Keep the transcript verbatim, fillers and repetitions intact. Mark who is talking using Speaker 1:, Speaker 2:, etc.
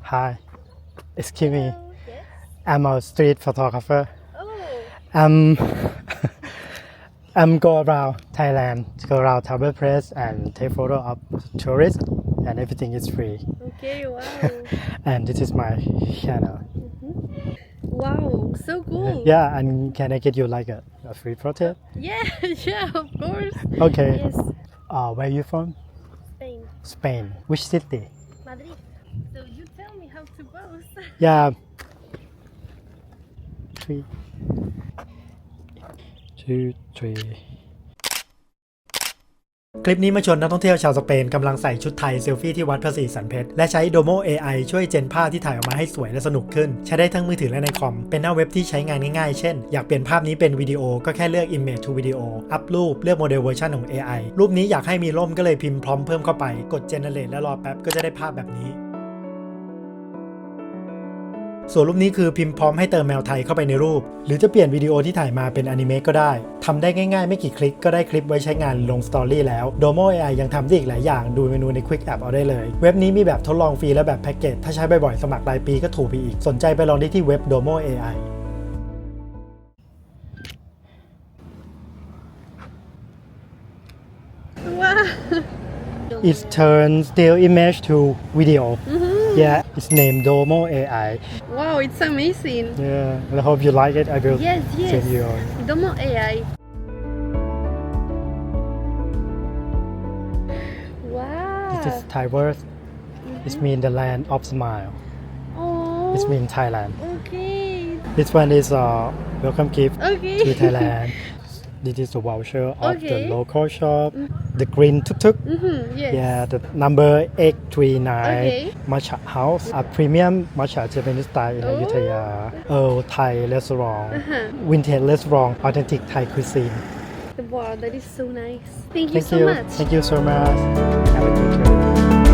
Speaker 1: Hi, excuse me.
Speaker 2: Hello. Yes.
Speaker 1: I'm a street photographer.
Speaker 2: Oh.
Speaker 1: I'm I'm go around Thailand, go around travel place and take photo of tourists, and everything is free.
Speaker 2: Okay. Wow.
Speaker 1: And this is my channel.
Speaker 2: Wow. So cool.
Speaker 1: Yeah, and can I get you like a, a free photo?
Speaker 2: Yeah. Yeah. Of course.
Speaker 1: Okay.
Speaker 2: Yes.
Speaker 1: Uh, where you from?
Speaker 2: Spain.
Speaker 1: Spain. Which city?
Speaker 2: Madrid. So you tell me how to pose.
Speaker 1: Yeah. Three, two, three. คลิปนี้มาชวนนักท่องเที่ยวชาวสเปนกำลังใส่ชุดไทยเซลฟี่ที่วัดพระศรีสันเพชรและใช้ Domo เอ ไอ ช่วยเจนภาพที่ถ่ายออกมาให้สวยและสนุกขึ้นใช้ได้ทั้งมือถือและในคอมเป็นหน้าเว็บที่ใช้งานง่ายๆเช่นอยากเปลี่ยนภาพนี้เป็นวิดีโอก็แค่เลือก Image to Video อัพรูปเลือกโมเดลเวอร์ชันของ เอ ไอ รูปนี้อยากให้มีร่มก็เลยพิมพ์พร้อมเพิ่มเข้าไปกด Generate และรอแป๊บก็จะได้ภาพแบบนี้ส่วนรูปนี้คือพิมพ์พร้อมให้เติมแมวไทยเข้าไปในรูปหรือจะเปลี่ยนวิดีโอที่ถ่ายมาเป็นอนิเมะก็ได้ทำได้ง่ายๆไม่กี่คลิกก็ได้คลิปไว้ใช้งานลงสตอรี่แล้ว Domo เอ ไอ ยังทำได้อีกหลายอย่างดูเมนูใน Quick App เอาได้เลยเว็บนี้มีแบบทดลองฟรีและแบบแพ็กเกจถ้าใช้บ่อยๆสมัครรายปีก็ถูกไปอีกสนใจไปลองได้ที่เว็บ Domo เอ ไอ
Speaker 2: Wow.
Speaker 1: It turns still image to video. Yeah, it's named Domo เอ ไอ
Speaker 2: Wow. It's amazing.
Speaker 1: Yeah, I hope you like it. I will
Speaker 2: Yes. Yes.
Speaker 1: send you on.
Speaker 2: Domo เอ ไอ. Wow.
Speaker 1: This is Thai word. It means the land of smile.
Speaker 2: Oh.
Speaker 1: It means Thailand.
Speaker 2: Okay.
Speaker 1: This one is a welcome gift
Speaker 2: Okay.
Speaker 1: to Thailand. This is the voucher of the
Speaker 2: Okay.
Speaker 1: local shop. The green tuk tuk.
Speaker 2: Mm-hmm. Yes.
Speaker 1: Yeah, the number eight three nine
Speaker 2: Okay.
Speaker 1: Matcha House. A premium matcha Japanese style in
Speaker 2: Oh.
Speaker 1: Ayutthaya. Earl Thai restaurant.
Speaker 2: Uh-huh.
Speaker 1: Vintage restaurant. Authentic Thai cuisine.
Speaker 2: Wow. That is so nice. Thank you
Speaker 1: Thank
Speaker 2: so
Speaker 1: you.
Speaker 2: much.
Speaker 1: Thank you so much. Have a good day.